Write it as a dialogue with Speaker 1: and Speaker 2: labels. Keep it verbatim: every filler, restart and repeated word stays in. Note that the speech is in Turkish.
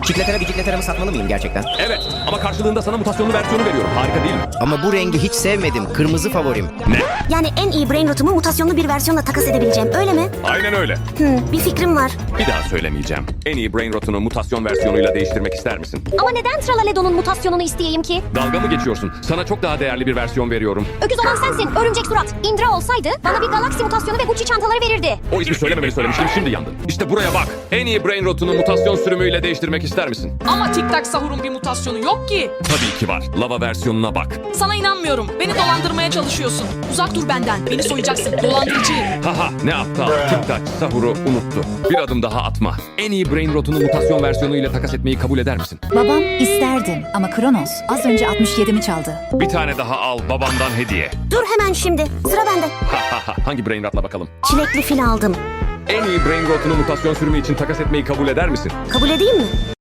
Speaker 1: Çikletara bicikleteramı satmalı mıyım gerçekten?
Speaker 2: Evet ama karşılığında sana mutasyonlu versiyonu veriyorum. Harika değil mi?
Speaker 1: Ama bu rengi hiç sevmedim. Kırmızı favorim.
Speaker 2: Ne?
Speaker 3: Yani en iyi brain rotumu mutasyonlu bir versiyonla takas edebileceğim, öyle mi?
Speaker 2: Aynen öyle.
Speaker 3: Hmm, bir fikrim var.
Speaker 2: Bir daha söylemeyeceğim. En iyi brain rotunu mutasyon versiyonuyla değiştirmek ister misin?
Speaker 4: Ama neden Tralaledo'nun mutasyonunu isteyeyim ki?
Speaker 2: Dalga mı geçiyorsun? Sana çok daha değerli bir versiyon veriyorum.
Speaker 4: Öküz olan sensin, örümcek surat. Indra olsaydı bana bir galaksi mutasyonu ve Gucci çantaları verirdi.
Speaker 2: O ismi söylememeni söylemiştim, şimdi yandın. İşte buraya bak. En iyi brain rotunu mutasyon sürümüyle değiştirmek ister misin?
Speaker 5: Ama Tic Tac Sahur'un bir mutasyonu yok ki.
Speaker 2: Tabii ki var. Lava versiyonuna bak.
Speaker 5: Sana inanmıyorum. Beni dolandırmaya çalışıyorsun. Uzak dur benden. Beni soyacaksın. Dolandırıcı.
Speaker 2: Haha ne aptal. Tic-tac Sahur'u unuttu. Bir adım daha atma. En iyi brain rotunu mutasyon versiyonu ile takas etmeyi kabul eder misin?
Speaker 6: Babam isterdim ama Kronos az önce altmış yedimi çaldı.
Speaker 2: Bir tane daha al babandan hediye.
Speaker 3: Dur hemen şimdi. Sıra bende.
Speaker 2: Hahaha hangi brain rotla bakalım?
Speaker 3: Çilekli fil aldım.
Speaker 2: En iyi brain rotunu mutasyon sürümü için takas etmeyi kabul eder misin?
Speaker 3: Kabul edeyim mi?